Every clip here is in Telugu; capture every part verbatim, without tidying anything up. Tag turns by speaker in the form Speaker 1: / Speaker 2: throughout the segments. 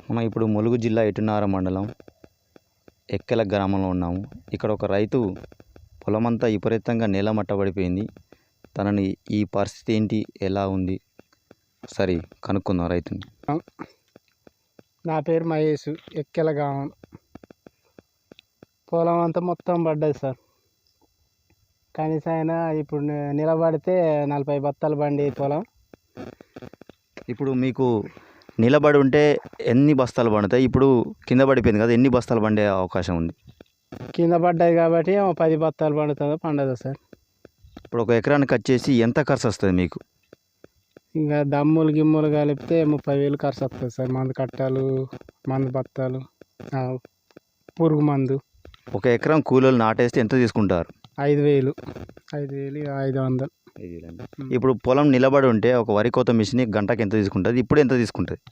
Speaker 1: మనం ఇప్పుడు ములుగు జిల్లా ఎటునార మండలం ఎక్కెల గ్రామంలో ఉన్నాము. ఇక్కడ ఒక రైతు పొలమంతా విపరీతంగా నేలమట్టబడిపోయింది. తనని ఈ పరిస్థితి ఏంటి, ఎలా ఉంది సరే కనుక్కుందాం రైతుని.
Speaker 2: నా పేరు మహేష్, ఎక్కెల గ్రామం. పొలం అంతా మొత్తం పడ్డది సార్. కనీసం అయినా ఇప్పుడు ని- నిలబడితే నలభై బత్తాలు బండి పొలం.
Speaker 1: ఇప్పుడు మీకు నిలబడి ఉంటే ఎన్ని బస్తాలు పండుతాయి? ఇప్పుడు కింద పడిపోయింది కదా, ఎన్ని బస్తాలు పండే అవకాశం ఉంది?
Speaker 2: కింద పడ్డది కాబట్టి ఏమో పది బత్తాలు పండుతుందో పండదో సార్.
Speaker 1: ఇప్పుడు ఒక ఎకరానికి వచ్చేసి ఎంత ఖర్చు వస్తుంది మీకు?
Speaker 2: ఇంకా దమ్ములు గిమ్ములు కలిపితే ముప్పై వేలు ఖర్చు వస్తుంది సార్. మందు కట్టాలు, మందు బత్తాలు, ఆ, పురుగు మందు.
Speaker 1: ఒక ఎకరం కూలీలు నాటేస్తే ఎంత తీసుకుంటారు?
Speaker 2: ఐదు వేలు ఐదు వేలు ఇక ఐదు వందలు.
Speaker 1: ఇప్పుడు పొలం నిలబడి ఉంటే ఒక వరి కోత మిషన్ గంటకి ఎంత తీసుకుంటుంది? ఇప్పుడు ఎంత తీసుకుంటుంది?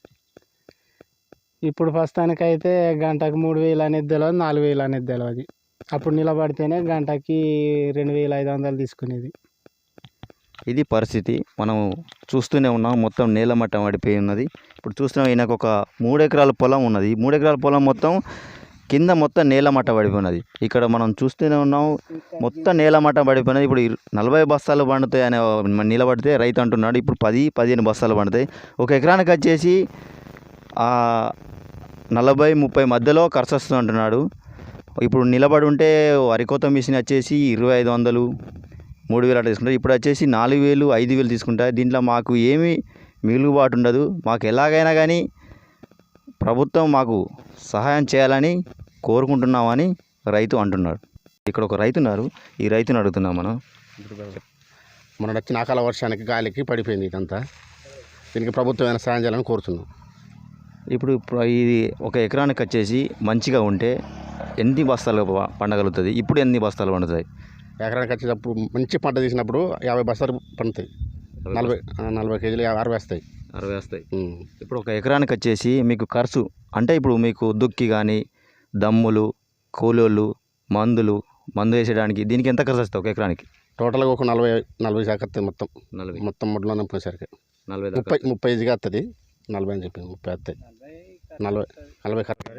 Speaker 2: ఇప్పుడు ప్రస్తుతానికైతే గంటకు మూడు వేలు అనేది తెలియదు, నాలుగు వేలు అనేది తెలియదు. అప్పుడు నిలబడితేనే గంటకి రెండు వేల ఐదు వందలు తీసుకునేది.
Speaker 1: ఇది పరిస్థితి. మనం చూస్తూనే ఉన్నాం, మొత్తం నేలమట్టం పడిపోయి ఉన్నది. ఇప్పుడు చూస్తున్నాం, ఈయనకు ఒక మూడు ఎకరాల పొలం ఉన్నది. మూడు ఎకరాల పొలం మొత్తం కింద మొత్తం నేలమట్ట పడిపోయినది. ఇక్కడ మనం చూస్తూనే ఉన్నాం, మొత్తం నేలమట్ట పడిపోయినది. ఇప్పుడు ఇరు- నలభై బస్తాలు పండుతాయి అనే నిలబడితే రైతు అంటున్నాడు ఇప్పుడు పది పదిహేను బస్తాలు పండుతాయి. ఒక ఎకరానికి వచ్చేసి ఆ నలభై ముప్పై మధ్యలో ఖర్చు వస్తుంది అంటున్నాడు. ఇప్పుడు నిలబడి ఉంటే వరి కోత మిషన్ వచ్చేసి ఇరవై ఐదు వందలు మూడు వేలు అట్లా తీసుకుంటారు. ఇప్పుడు వచ్చేసి నాలుగు వేలు ఐదు వేలు తీసుకుంటారు. దీంట్లో మాకు ఏమీ మిగులుబాటు ఉండదు. మాకు ఎలాగైనా కానీ ప్రభుత్వం మాకు సహాయం చేయాలని కోరుకుంటున్నామని రైతు అంటున్నాడు. ఇక్కడ ఒక రైతు ఉన్నారు, ఈ రైతుని అడుగుతున్నాం మనం.
Speaker 3: మొన్న వచ్చిన అకాల వర్షానికి గాలికి పడిపోయింది ఇదంతా. దీనికి ప్రభుత్వం సాయం చేయాలని కోరుతున్నాం.
Speaker 1: ఇప్పుడు ప్ర- ఇది ఒక ఎకరానికి వచ్చేసి మంచిగా ఉంటే ఎన్ని బస్తాలు ప- పండగలుగుతుంది? ఇప్పుడు ఎన్ని బస్తాలు పండుతాయి?
Speaker 3: ఎకరానికి వచ్చేటప్పుడు మంచి పంట తీసినప్పుడు యాభై బస్తాలు పండుతాయి. నలభై ఆ, నలభై కేజీలు యాభై అరవై వస్తాయి.
Speaker 1: అరవై వస్తాయి.
Speaker 3: ఉం.
Speaker 1: ఇప్పుడు ఒక ఎకరానికి వచ్చేసి మీకు ఖర్చు అంటే ఇప్పుడు మీకు దుక్కి కానీ దమ్ములు, కూలోళ్ళు, మందులు, మందు వేసేయడానికి దీనికి ఎంత ఖర్చు వస్తుంది ఒక ఎకరానికి?
Speaker 3: టోటల్గా ఒక నలభై నలభై శాఖ వస్తుంది మొత్తం.
Speaker 1: నలభై
Speaker 3: మొత్తం ముడ్లో నింపేసరికి
Speaker 1: నలభై
Speaker 3: ముప్పై ముప్పై ఈజీగా వస్తుంది. నలభై అని చెప్పింది, ముప్పై వస్తాయి. నలభై నలభై ఖర్చు.